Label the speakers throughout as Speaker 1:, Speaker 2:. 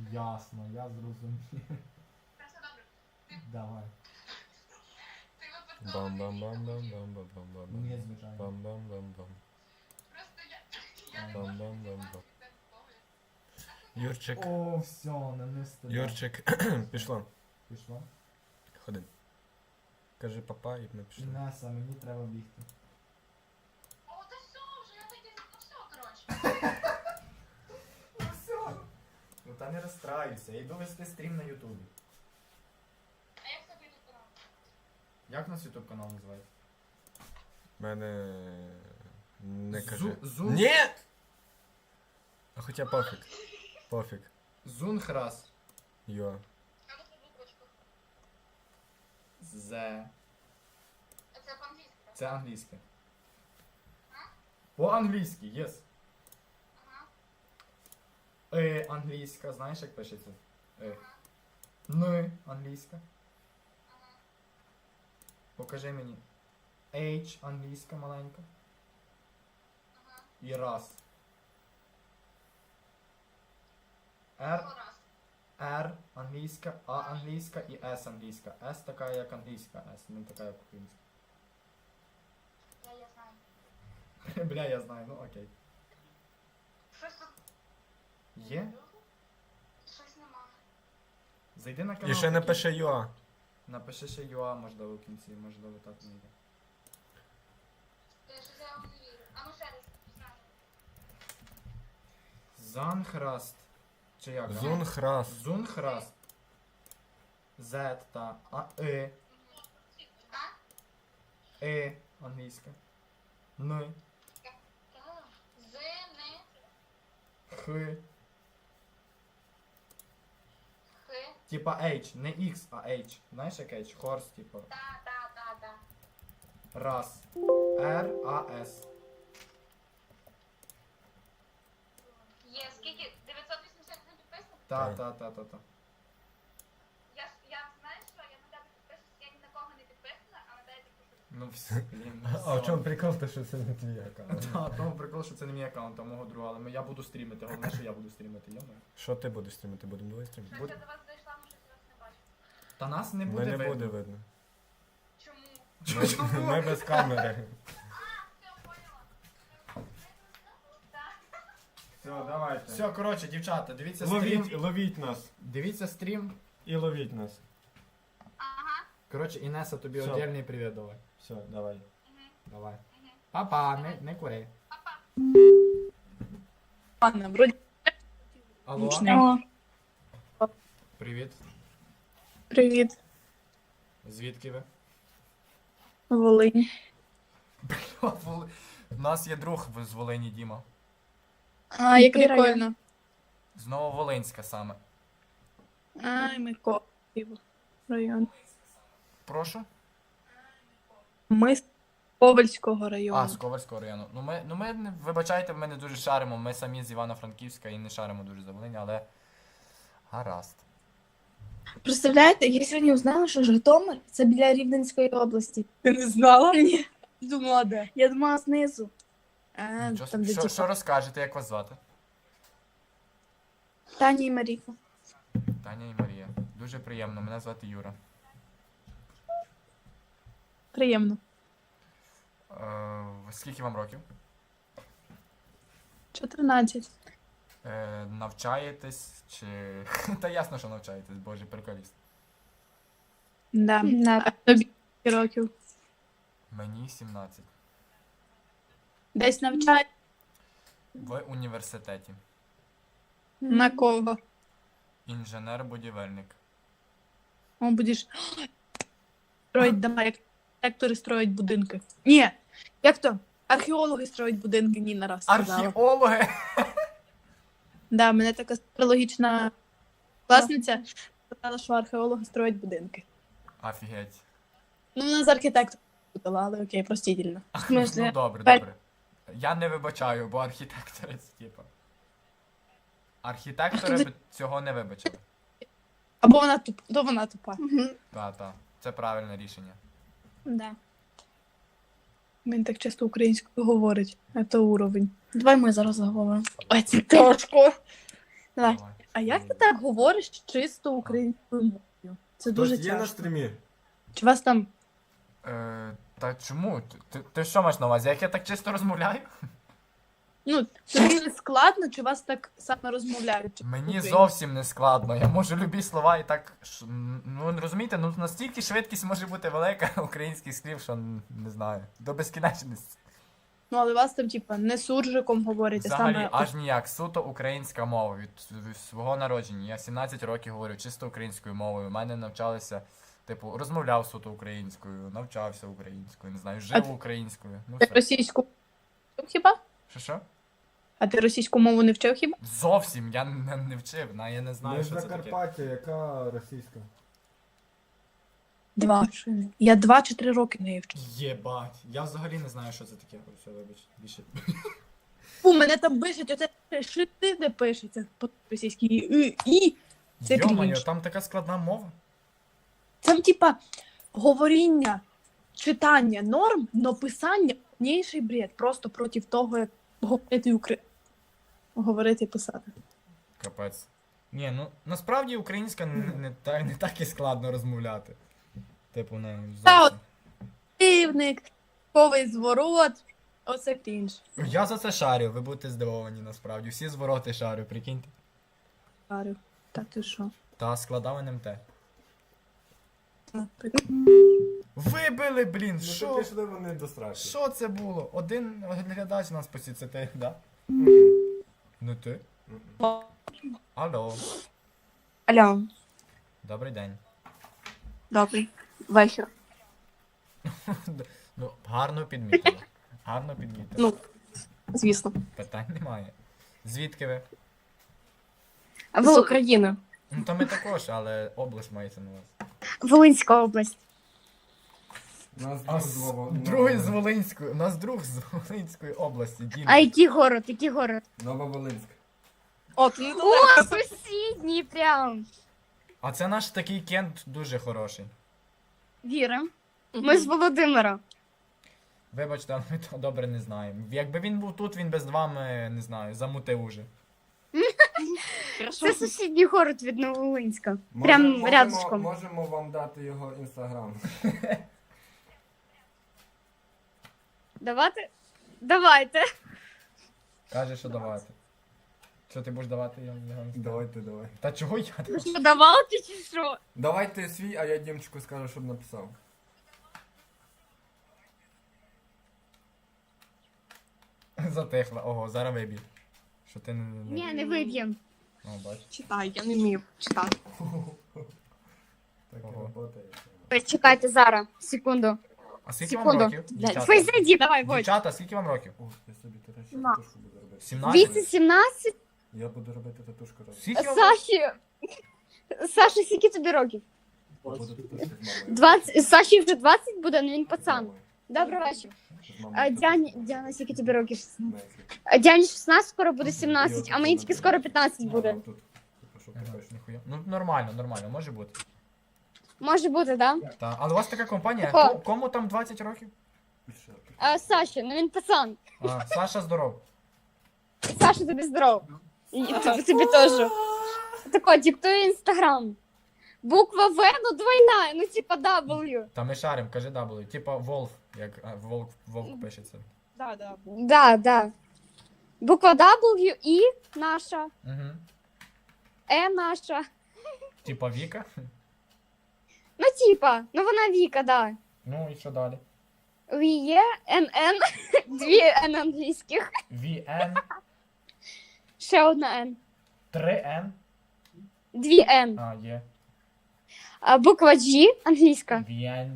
Speaker 1: Ясно, я зрозумів. Давай.
Speaker 2: Бам-бам-бам-бам-бам-бам-бам.
Speaker 1: Ні, звичайно.
Speaker 2: Бам-бам-бам-бам. Бам-бам-бам-бам. Юрчик,
Speaker 1: О, все, нанести.
Speaker 2: Юрчик, пішло.
Speaker 1: Пішло.
Speaker 2: Ходи. Кажи папа і ми пішли.
Speaker 1: Інеса, мені треба бігти.
Speaker 3: О, та все вже, я таки, ну все, коротше.
Speaker 1: Ну все. Ну та не розстраюйся, я йду вести стрім на ютубі.
Speaker 3: А як тобі тут канал?
Speaker 1: Як у нас ютуб канал називається?
Speaker 2: Мене... Не кажи.
Speaker 1: Зун...
Speaker 2: Ні! А хоча пофіг. Пофіг.
Speaker 1: Зунхрас.
Speaker 2: Йо.
Speaker 3: А ну по буквочках.
Speaker 1: З.
Speaker 3: Це по-англійськи, так?
Speaker 1: Це англійське. По-англійськи, єс.
Speaker 3: Ага.
Speaker 1: Англійська, знаєш як пишеться? Н англійська.
Speaker 3: Ага.
Speaker 1: Покажи мені. H англійська маленька.
Speaker 3: Ага.
Speaker 1: І раз.
Speaker 3: Ще
Speaker 1: R,
Speaker 3: раз.
Speaker 1: R англійська, А англійська і S англійська. S така як англійська S, не така як українська.
Speaker 3: Я знаю.
Speaker 1: Бля, я знаю, ну окей.
Speaker 3: Щось тут...
Speaker 1: Є?
Speaker 3: Щось немає.
Speaker 1: Зайди на канал.
Speaker 2: І ще
Speaker 1: такий.
Speaker 2: напиши Йо.
Speaker 1: Напиши ще UA, можливо, в кінці, можливо, так не йде.
Speaker 3: Щось я вам не вірю. А ну ще раз. Знаю.
Speaker 1: Занхраст. Чи як?
Speaker 2: Зунхрас.
Speaker 1: Зунхраст. Z та
Speaker 3: А?
Speaker 1: англійська. Н,
Speaker 3: З, не,
Speaker 1: Х.
Speaker 3: Х.
Speaker 1: Типа H, не X, а H. Знаєш як H? Хорс, типа.
Speaker 3: Та.
Speaker 1: Раз. R, А, С.
Speaker 3: Є, скільки? 981 підписів?
Speaker 1: Та.
Speaker 3: Я знаю, що я на тебе підписуюсь, я ні на кого не підписана, а на тебе підписуюсь.
Speaker 1: Ну все, блін.
Speaker 2: А в чому прикол, то що це не твій аккаунт?
Speaker 1: Та, тому прикол, що це не мій аккаунт, а мого друга, але я буду стрімити, головне, що я буду стрімити, йомо.
Speaker 2: Що ти будеш стрімити? Будемо двоє стрімити?
Speaker 3: Щось я до вас зайшла, але щось вас не бачу.
Speaker 1: Та нас не буде
Speaker 2: Мене
Speaker 1: видно.
Speaker 2: буде видно.
Speaker 3: Чому?
Speaker 2: Ми без камери.
Speaker 3: Все, поняла. Так.
Speaker 2: Все, давайте.
Speaker 1: Все, коротше, дівчата, дивіться стрім.
Speaker 2: Ловіть нас.
Speaker 1: Дивіться стрім.
Speaker 2: І ловіть нас.
Speaker 3: Ага.
Speaker 1: Коротше, Інеса, тобі
Speaker 2: Все.
Speaker 1: отдельний привіт давай.
Speaker 2: Все, давай.
Speaker 1: Давай. Папа, не кури.
Speaker 3: Папа.
Speaker 4: Ладно, вроде
Speaker 1: Алло,
Speaker 4: отлично.
Speaker 1: привіт.
Speaker 4: Привіт,
Speaker 1: Звідки ви?
Speaker 4: Волинь.
Speaker 1: У нас є друг з Волині, Діма.
Speaker 4: А, як прикольно.
Speaker 1: Знову Волинська саме.
Speaker 4: Ай, Микола. Район.
Speaker 1: Прошу?
Speaker 4: Ми з Ковальського
Speaker 1: А,
Speaker 4: району.
Speaker 1: з Ковальського району. Ну ми, вибачайте, ми не дуже шаримо. Ми самі з Івано-Франківська і не шаримо дуже за Волині, але гаразд.
Speaker 5: Представляєте, я сьогодні узнала, що Житомир це біля Рівненської області.
Speaker 4: Ти не знала?
Speaker 5: Ні,
Speaker 4: Думала, де?
Speaker 5: я думала знизу.
Speaker 1: Що розкажете, як вас звати?
Speaker 5: Таня і Маріка.
Speaker 1: Таня і Марія. Дуже приємно, мене звати Юра.
Speaker 4: Приємно.
Speaker 1: Скільки вам років?
Speaker 4: 14.
Speaker 1: Навчаєтесь чи. Та ясно, що навчаєтесь, боже, приколіст.
Speaker 4: Да.
Speaker 5: На
Speaker 4: А тобі скільки років?
Speaker 1: Мені 17.
Speaker 4: Десь навчає?
Speaker 1: В університеті.
Speaker 4: На кого?
Speaker 1: Інженер-будівельник.
Speaker 4: О, будеш строїть дома, як архітектори строять будинки. Ні, як то? Археологи строять будинки, Ніна раз сказала.
Speaker 1: Археологи!
Speaker 4: Да, мене така логічна класниця сказала, що археологи строять будинки.
Speaker 1: Офігеть.
Speaker 4: Ну, вона з архітектором була, але окей, простительно.
Speaker 5: смислі?
Speaker 1: Ну добре. Я не вибачаю, бо архітектори це типа. Архітектори б цього не вибачили.
Speaker 4: Або вона тупа.
Speaker 1: Та. Це правильне рішення.
Speaker 4: Да. Він так часто українською говорить. Це уровень.
Speaker 5: Давай ми зараз заговоримо.
Speaker 4: Ой, це тяжко.
Speaker 5: Давай.
Speaker 1: Давай.
Speaker 4: А як ти так говориш чисто українською мовою? Це дуже
Speaker 2: Хтось є на
Speaker 4: тяжко.
Speaker 2: стрімі?
Speaker 4: Чи вас там
Speaker 1: Та чому? Ти що маєш на увазі? Як я так чисто розмовляю?
Speaker 4: ну тобі не складно, чи вас так саме розмовляють? чи
Speaker 1: Мені
Speaker 4: українською?
Speaker 1: зовсім не складно. Я можу любі слова і так. Ну розумієте, ну настільки швидкість може бути велика українських слів, що не знаю. До безкінечності.
Speaker 4: Ну, але вас там, типа, не суржиком говорять, а
Speaker 1: Взагалі
Speaker 4: саме
Speaker 1: аж ніяк. Суто українська мова від свого народження. Я 17 років говорю чисто українською мовою. У мене навчалися, типу, розмовляв суто українською, навчався українською, не знаю, жив українською. Ну
Speaker 4: ти
Speaker 1: все.
Speaker 4: російську вчив хіба?
Speaker 1: Що?
Speaker 4: А ти російську мову не вчив хіба?
Speaker 1: Зовсім я не вчив, я не
Speaker 2: Ми
Speaker 1: знаю,
Speaker 2: з
Speaker 1: що це таке.
Speaker 2: Закарпаття, яка російська?
Speaker 4: 2. Я 2 чи 3 роки не вчив.
Speaker 1: Єбать, я взагалі не знаю, що це таке. Все, вибач, більше.
Speaker 4: У мене там пишуть, оце шити, де пишеться по російській і. Це
Speaker 1: Йо-моє,
Speaker 4: крінж.
Speaker 1: там така складна мова.
Speaker 4: Там, типа, говоріння, читання норм, но писання повніший бред. Просто проти того, як говорити і писати.
Speaker 1: Капець. Ні, ну насправді українська не так і складно розмовляти. Типу, не
Speaker 4: Та
Speaker 1: зовсім.
Speaker 4: Півник, ковий зворот, оце крінж.
Speaker 1: Я за це шарю, ви будете здивовані насправді. Всі звороти шарю, прикиньте.
Speaker 4: Шарю. Та ти що?
Speaker 1: Та складав НМТ.
Speaker 4: Ну,
Speaker 1: Вибили, блін,
Speaker 2: Ну
Speaker 1: що?
Speaker 2: то пішли вони до страшки.
Speaker 1: Що це було? Один глядач нас посі, це ти, да? Ну ти? Алло,
Speaker 5: Алло,
Speaker 1: добрий день.
Speaker 5: добрий вечір.
Speaker 1: Ну, гарно підмітили. Гарно підмітили.
Speaker 5: Ну, звісно.
Speaker 1: Питань немає. Звідки ви?
Speaker 5: А з України.
Speaker 1: Ну то ми також, але область мається на вас.
Speaker 5: Волинська область.
Speaker 2: Нас
Speaker 1: А другий з Волинської. У нас друг з Волинської області, Дім.
Speaker 5: А який город? Який город?
Speaker 2: Нововолинськ.
Speaker 4: От, ну
Speaker 5: О, сусідній прям.
Speaker 1: А це наш такий кент дуже хороший.
Speaker 5: Віра. Ми з Володимира.
Speaker 1: Вибачте, але ми то добре не знаємо. Якби він був тут, він би з вами, не знаю, замутив уже.
Speaker 5: Це сусідній город від Нововолинська. Прям рядышком.
Speaker 2: Можемо вам дати його інстаграм.
Speaker 5: Давайте? Давайте.
Speaker 1: Каже, що давати. Що ти будеш давати? Я не знаю.
Speaker 2: Давай.
Speaker 1: Та чого я?
Speaker 5: Ви що, давати чи що?
Speaker 2: Давайте свій, а я Дімчику скажу, щоб написав.
Speaker 1: Затихла. Ого, зараз вибій. Що ти не...
Speaker 5: Ні, не виб'єм.
Speaker 1: О, бач.
Speaker 5: Читай, я не вмію читати.
Speaker 2: Так і
Speaker 1: Ого.
Speaker 2: роботає.
Speaker 5: Чекайте зараз, секунду.
Speaker 1: А скільки вам
Speaker 5: Секунду.
Speaker 1: років? Дівчата?
Speaker 5: Ви зайди, давай, Войт.
Speaker 1: Дівчата, скільки вам років?
Speaker 2: О, я собі татушку
Speaker 5: На.
Speaker 2: буду робити.
Speaker 1: 17?
Speaker 5: Віці 17,
Speaker 2: Я буду робити татушку робити.
Speaker 1: Скільки вам років?
Speaker 5: Саші, скільки тобі років?
Speaker 2: Я буду татушку з мамою.
Speaker 5: 20, Саші вже 20 буде, але він пацан.
Speaker 2: З
Speaker 5: Добрий вечір.
Speaker 2: мамою.
Speaker 5: Діана, скільки тобі років?
Speaker 2: 16.
Speaker 5: Діані 16, скоро буде 17, а мені тільки скоро 15 буде.
Speaker 2: Тут. Що
Speaker 1: Ага,
Speaker 2: пишеш?
Speaker 1: ніхуя. Ну нормально, може бути.
Speaker 5: Може бути, так?
Speaker 1: Та, але у вас така компанія,
Speaker 5: Тако.
Speaker 1: кому там 20 років?
Speaker 2: Пише.
Speaker 5: А Саші, ну він пацан.
Speaker 1: А, Саша здоров.
Speaker 5: Саша, тобі здоров. І тобі теж. Тако, диктує інстаграм. Буква В, ну двойна, ну типа W.
Speaker 1: Та ми шарим, кажи W. Типа Волф, як Волк пишеться.
Speaker 5: Да. Буква W, І наша,
Speaker 1: Угу.
Speaker 5: Е наша.
Speaker 1: Типа Віка.
Speaker 5: Ну типа, ну вона Віка, да.
Speaker 1: Ну і що далі?
Speaker 5: Віє, НН, дві Н англійських.
Speaker 1: VN,
Speaker 5: Ще одна Н.
Speaker 1: 3N.
Speaker 5: Дві Н.
Speaker 1: А, є.
Speaker 5: Буква G англійська.
Speaker 1: VN.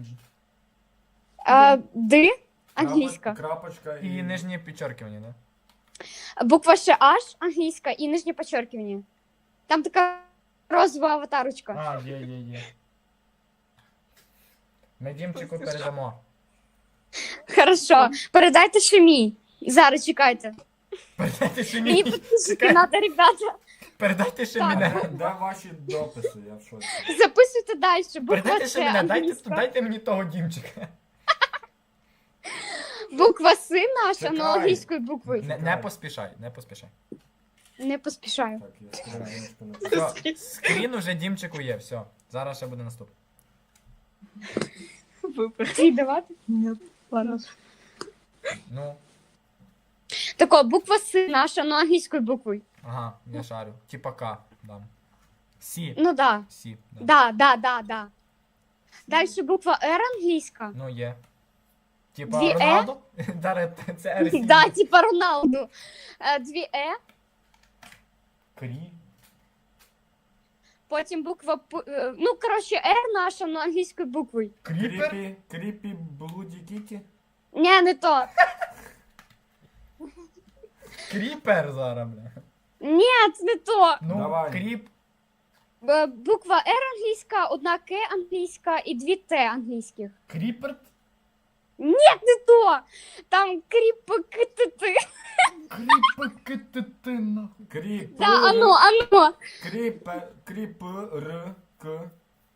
Speaker 5: Д англійська.
Speaker 2: Крапочка
Speaker 1: І нижнє підчеркування, да?
Speaker 5: Буква ще H англійська і нижнє підчеркування. Там така розова аватарочка.
Speaker 1: А, є. Ми Дімчику передамо.
Speaker 5: Хорошо. Передайте ще мій. Зараз чекайте.
Speaker 1: Передайте ще
Speaker 5: Мені
Speaker 1: мені.
Speaker 5: підписчики треба, ребята.
Speaker 1: Передайте ще
Speaker 5: Так.
Speaker 1: мене.
Speaker 2: Де ваші дописи? Я в шоці.
Speaker 5: Записуйте далі. Буква
Speaker 1: Передайте ще
Speaker 5: С
Speaker 1: мене,
Speaker 5: англійська.
Speaker 1: дайте мені того Дімчика.
Speaker 5: Буква С наша,
Speaker 2: Чекай.
Speaker 5: ну англійською буквою.
Speaker 1: Не поспішай.
Speaker 5: Не поспішаю.
Speaker 2: Так, я скриночку написав.
Speaker 1: Все, скрін уже Дімчику є, все. Зараз ще буде наступний.
Speaker 5: Ти давати?
Speaker 4: Ні, ладно.
Speaker 1: Ну,
Speaker 5: Тако, буква С наша, ну англійською буквою.
Speaker 1: ага, я шарю. Типа К дам. Сі.
Speaker 5: Ну да.
Speaker 1: Сі. Да.
Speaker 5: Да. Дальше буква Р англійська.
Speaker 1: Ну є. Типа
Speaker 5: Дві Е?
Speaker 1: Роналдо? Зараз це Р.
Speaker 5: Да, типа Роналду. Дві Е,
Speaker 1: Крі.
Speaker 5: потім буква П. Ну, коротше, Р наша, ну англійською буквою.
Speaker 1: Кріпер?
Speaker 2: Кріпі Блуді Кіті?
Speaker 5: Ні, не то.
Speaker 1: Кріпер зараз, бля.
Speaker 5: Ні, це не то.
Speaker 1: Ну,
Speaker 2: Давай.
Speaker 1: кріп.
Speaker 5: Буква Р англійська, одна К англійська і дві Т англійських.
Speaker 1: Кріпер?
Speaker 5: Не то. Там кріп КТТ.
Speaker 1: Кріпер, нахуй.
Speaker 2: Кріп.
Speaker 5: Да, ано.
Speaker 2: Кріпер. К.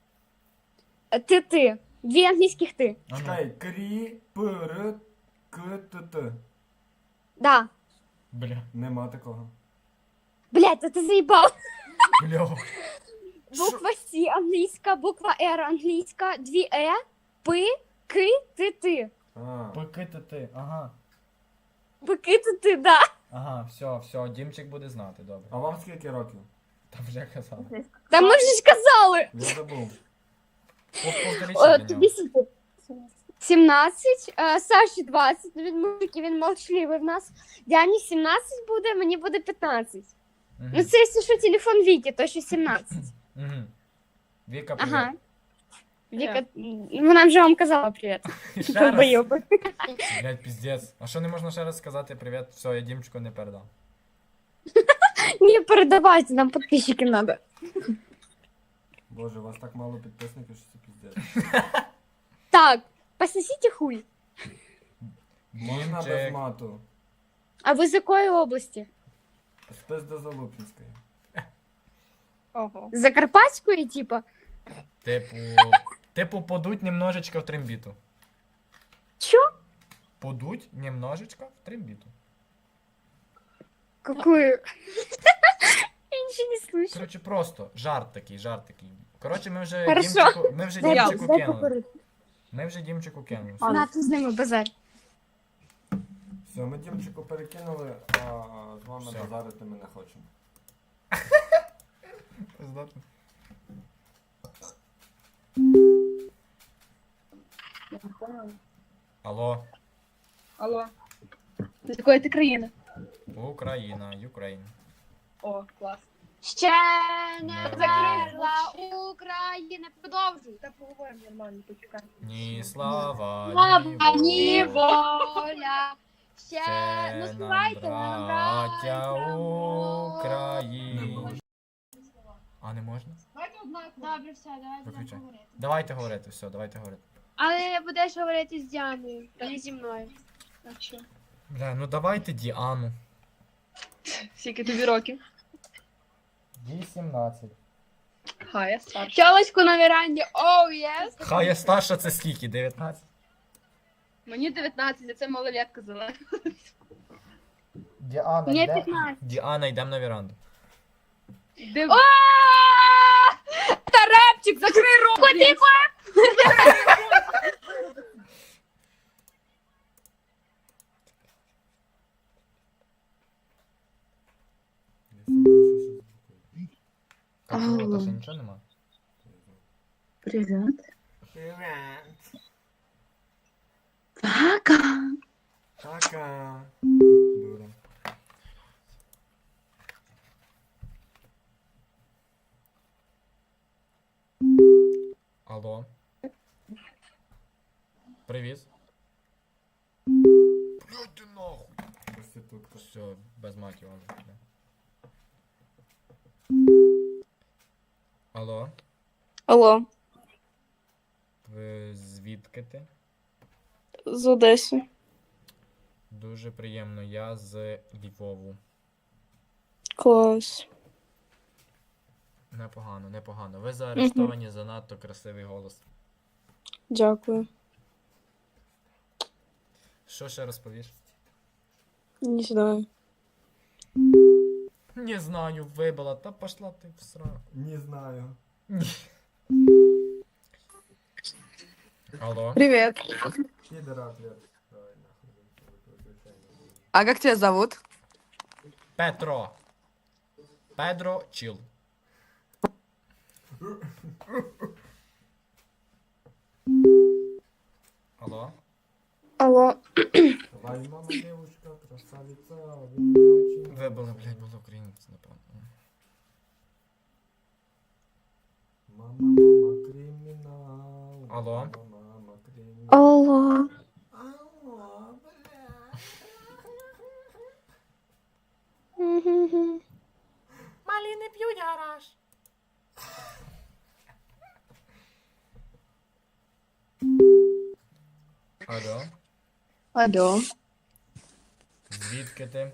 Speaker 5: ТТ. Дві англійських Т.
Speaker 1: А ну.
Speaker 2: Чекай, Кріпер. КТТ.
Speaker 5: Да.
Speaker 1: Бля.
Speaker 2: Нема такого.
Speaker 5: Блядь, та ти заїбав.
Speaker 1: Бля.
Speaker 5: Буква С англійська, буква Р англійська, дві Е, П, К, ТТ.
Speaker 2: А,
Speaker 1: ПКТТ, ага.
Speaker 5: П, К, ТТ, да.
Speaker 1: Ага, все, Дімчик буде знати, добре.
Speaker 2: а вам скільки років?
Speaker 1: Там вже казав.
Speaker 5: Та ми вже ж казали.
Speaker 2: Я забув.
Speaker 1: Повторіть
Speaker 5: Тобі скільки? 17, Саші 20, він мужик, і він молчливий в нас. Дяні 17 буде, мені буде 15. Ну це, якщо що, телефон Віки, то ще 17.
Speaker 1: Угу. Віка, привіт.
Speaker 5: Ага. Віка, вона вже вам казала привіт.
Speaker 1: Ще раз?
Speaker 5: Долбойоби.
Speaker 1: Блядь, піздець. А що не можна ще раз сказати привіт? Все, я Дімчику не передам.
Speaker 5: Ні, передавайте, нам підписчиків треба.
Speaker 2: Боже, у вас так мало підписників, що це піздець.
Speaker 5: Так, пососіть хуй.
Speaker 2: Можна без
Speaker 1: Дімчик.
Speaker 2: мату.
Speaker 5: А ви з якої області?
Speaker 2: Спис до Залупінської.
Speaker 4: Ого.
Speaker 5: З Закарпатської, типа?
Speaker 1: Типу, подуть немножечко в трембіту.
Speaker 5: Чо?
Speaker 1: Подуть немножечко в трембіту.
Speaker 5: Какую? Я нічого не слышу.
Speaker 1: Коротше, просто жарт такий. Коротше, ми вже
Speaker 5: Хорошо.
Speaker 1: Дімчику
Speaker 5: Дай
Speaker 1: кинули.
Speaker 5: покурити.
Speaker 1: Ми вже Дімчику кинули.
Speaker 5: На, ти з ними базар.
Speaker 2: Все, ми Дімчику перекинули, а з вами
Speaker 1: Все.
Speaker 2: базарити ми не хочемо.
Speaker 1: Здатно. Алло,
Speaker 4: Алло. З якої ти країни?
Speaker 1: Україна, Юкрейн.
Speaker 4: О, клас.
Speaker 5: Ще
Speaker 1: Не
Speaker 5: не закрила Україна. Продовжуй.
Speaker 4: Та поговоримо нормально, почекай.
Speaker 1: Ні слава, ні
Speaker 5: Слава, ні
Speaker 1: воля.
Speaker 5: воля. Ще, ну
Speaker 1: Це
Speaker 5: співайте
Speaker 1: нам,
Speaker 5: нам,
Speaker 1: браття
Speaker 5: браття
Speaker 1: України. А не можна?
Speaker 5: Добре, все, давай
Speaker 1: Виключай. Давайте говорити, все, давайте говорити.
Speaker 5: Але будеш говорити з Діаною, а не зі мною.
Speaker 4: Так що?
Speaker 1: Бля, ну давайте Діану.
Speaker 4: Скільки тобі років?
Speaker 1: 18.
Speaker 4: Хай, я старша. Тілочку на веранді, оу, єс.
Speaker 1: Хай я старша, це скільки? 19?
Speaker 4: Мені 19, а це малолетка зелена.
Speaker 1: Діана,
Speaker 5: Мені
Speaker 1: йде...
Speaker 5: 15.
Speaker 1: Діана, йдемо на веранду.
Speaker 4: Тарепчик, закрий рот!
Speaker 5: Тихо!
Speaker 1: Кажу, та ще нічого нема.
Speaker 4: Привіт.
Speaker 2: Привет.
Speaker 4: Пока.
Speaker 2: Пока. Дура.
Speaker 1: Алло. Привіт. Блядь, ти нахуй.
Speaker 2: Проститутка.
Speaker 1: Все, без матів. ладно. Алло.
Speaker 6: Алло,
Speaker 1: Ви звідки ти?
Speaker 6: з Одеси.
Speaker 1: Дуже приємно, я з Львову.
Speaker 6: Клас.
Speaker 1: Непогано, непогано. Ви заарештовані за надто красивий голос.
Speaker 6: Дякую.
Speaker 1: Що ще розповіш?
Speaker 6: Не знаю.
Speaker 1: Не знаю, вибила, та пошла ти в сраку.
Speaker 2: Не знаю.
Speaker 1: Алло.
Speaker 7: Привет.
Speaker 2: Підера ответ. Давай нахуй. Виключай.
Speaker 7: А как тебя зовут?
Speaker 1: Петро. Педро Чіл. Алло.
Speaker 5: Алло.
Speaker 2: Давай, мама, девушка, красавица, один очень.
Speaker 1: Вибила, блядь, було українець, напевно.
Speaker 2: Мама, кримінал.
Speaker 1: Алло.
Speaker 2: Мама, кримінал.
Speaker 5: Алло.
Speaker 2: Алло, бля.
Speaker 1: Маліни п'ють гараж. Алло.
Speaker 6: Алло,
Speaker 1: Звідки ти?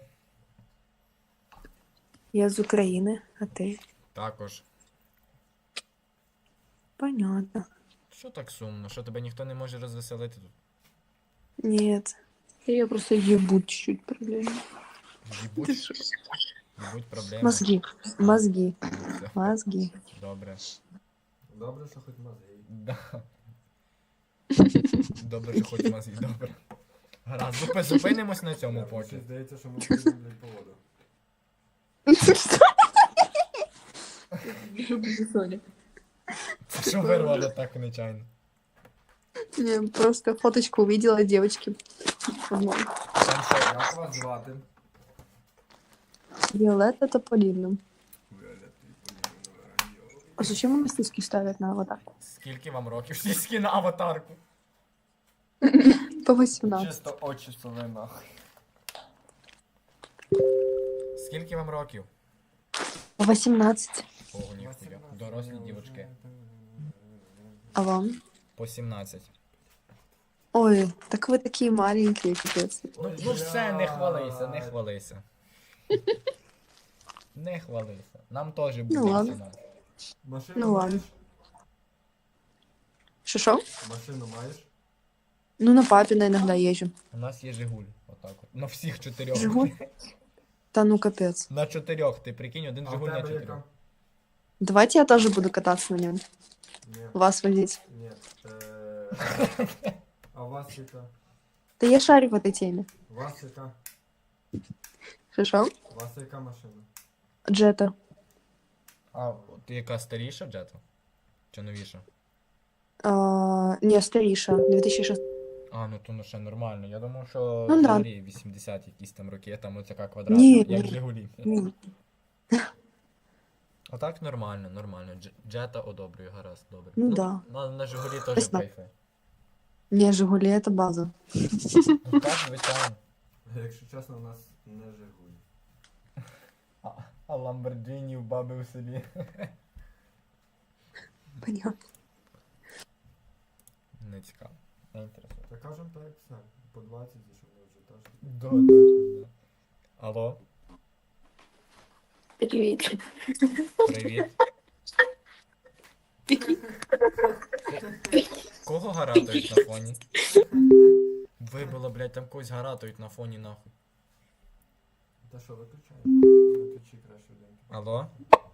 Speaker 6: я з України, а ти?
Speaker 1: Також.
Speaker 6: Понятно.
Speaker 1: Що так сумно? Що тебе ніхто не може розвеселити тут?
Speaker 6: Нет. Я просто ебу чуть-чуть проблемы.
Speaker 1: Їбуть? Їбуть проблеми.
Speaker 6: Мозги. Мозги.
Speaker 1: Все,
Speaker 6: Мозги.
Speaker 1: добре.
Speaker 2: Добре, що хоч мозги.
Speaker 1: Да. Добре, що хоч мозги, добре. Гаразд, зупинимось на цьому
Speaker 2: Мені
Speaker 1: поки.
Speaker 2: здається, що ми підемо, блядь, по воду.
Speaker 1: Це що вирвало так нечайно?
Speaker 6: Не, просто фоточку увидела девочки. Вот.
Speaker 1: Там що?
Speaker 2: Як вас звати?
Speaker 6: Виолетта Тополино.
Speaker 2: Віолетта
Speaker 6: А зачем у нас сиськи ставят на аватарку?
Speaker 1: Скільки вам років? Сіськи на аватарку.
Speaker 6: По 18.
Speaker 2: Чисто очі соли нахуй.
Speaker 1: Скільки вам років?
Speaker 6: По 18.
Speaker 1: Ого, ніхуя. Дорослі дівочки.
Speaker 6: А вам?
Speaker 1: По 17.
Speaker 6: Ой, так вы такие маленькие, капец.
Speaker 1: Ну все, не хвалися, не хвалися. Не хвалися. Нам теж буде
Speaker 6: Ну ладно.
Speaker 1: 17.
Speaker 2: Машину
Speaker 6: Ну ладно.
Speaker 2: маєш?
Speaker 6: Шо-шо?
Speaker 2: Машину маєш?
Speaker 6: Ну, на папина иногда езжу.
Speaker 1: У нас є Жигуль. Отак от. На всіх 4.
Speaker 6: Жигуль? Да ну, капец.
Speaker 1: На 4, ти прикинь, один
Speaker 2: А в
Speaker 1: Жигуль на
Speaker 2: тебе
Speaker 1: 4.
Speaker 2: яка?
Speaker 6: Давайте я тоже буду кататься на нем.
Speaker 2: Ні,
Speaker 6: Вас водить.
Speaker 2: ні. А у вас яка?
Speaker 6: Да я шарю в этой теме.
Speaker 2: У вас яка?
Speaker 6: Шо-шо?
Speaker 2: У вас яка машина?
Speaker 6: Джета.
Speaker 1: А ти яка старіша джета? Чи новіша?
Speaker 6: Не, старейша. 2006.
Speaker 1: А, ну то ну ще нормально. Я думав, що
Speaker 6: Ну да.
Speaker 1: взагалі 80 якісь там роки, а там оцяка квадратна,
Speaker 6: Ні,
Speaker 1: як
Speaker 6: ні.
Speaker 1: Жигулі.
Speaker 6: Ні.
Speaker 1: А так нормально, нормально. Джета одобрюю, гаразд, добре.
Speaker 6: Ну да.
Speaker 1: На Жигулі теж
Speaker 6: Ясно.
Speaker 1: кайфи.
Speaker 6: Не, Жигули это база.
Speaker 1: Ну так, звичайно.
Speaker 2: Якщо чесно, у нас не Жигуль.
Speaker 1: А Ламборджині в баби в селі.
Speaker 6: Понятно.
Speaker 1: Не цікаво. Не інтересно.
Speaker 2: Та кажемо так, все. По 20, щоб ми вже теж.
Speaker 1: Да, точно, да. Алло,
Speaker 6: Привет.
Speaker 1: привіт. Кого гаратують на фоні? Вибило, блядь, там когось гаратують на фоні, нахуй.
Speaker 2: Та що, виключай? Виключи краще один.
Speaker 1: Алло?